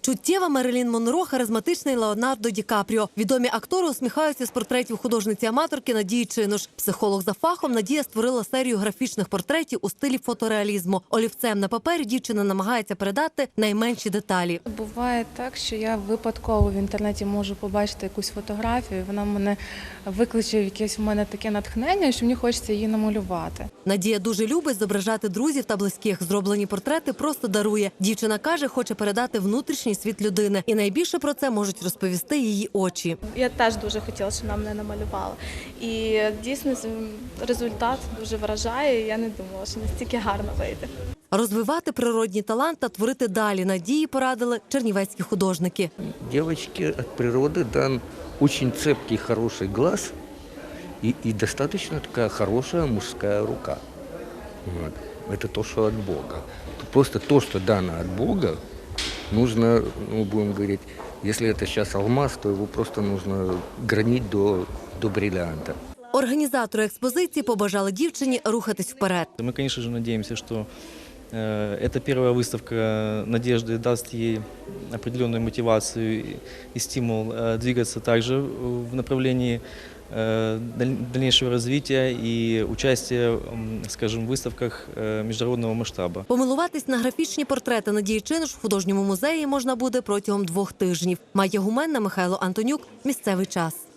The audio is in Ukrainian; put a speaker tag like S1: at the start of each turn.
S1: Чуттєва Мерлін Монро, харизматичний Леонардо Ді Капріо. Відомі актори усміхаються з портретів художниці-аматорки Надії Чинуш. Психолог за фахом Надія створила серію графічних портретів у стилі фотореалізму. Олівцем на папері дівчина намагається передати найменші деталі.
S2: Буває так, що я випадково в інтернеті можу побачити якусь фотографію, вона мене викличе якесь в мене таке натхнення, що мені хочеться її намалювати.
S1: Надія дуже любить зображати друзів та близьких. Зроблені портрети просто дарує. Дівчина каже, хоче передати внутрішній світ людини. І найбільше про це можуть розповісти її очі.
S3: Я теж дуже хотіла, щоб нам не намалювали. І дійсно результат дуже вражає. Я не думала, що настільки гарно вийде.
S1: Розвивати природній талант та творити далі Надії порадили чернівецькі художники.
S4: Девочке от природы дан очень цепкий, хороший глаз и достаточно такая хорошая мужская рука. Вот. Это то, что от Бога. Просто то, что дано от Бога, нужно, будем говорить, если это сейчас алмаз, то его просто нужно гранить до бриллианта.
S1: Організатори експозиції побажали дівчині рухатись вперед.
S5: Мы, конечно же, надеемся, что эта первая выставка надежды даст ей определенную мотивацию и стимул двигаться также в направлении дальнейшего развития и участия, скажем, в выставках международного масштаба.
S1: Помилуватись на графічні портрети Надії Чинуш в художньому музеї можна буде протягом 2 тижнів. Майя Гуменна, Михайло Антонюк. Місцевий час.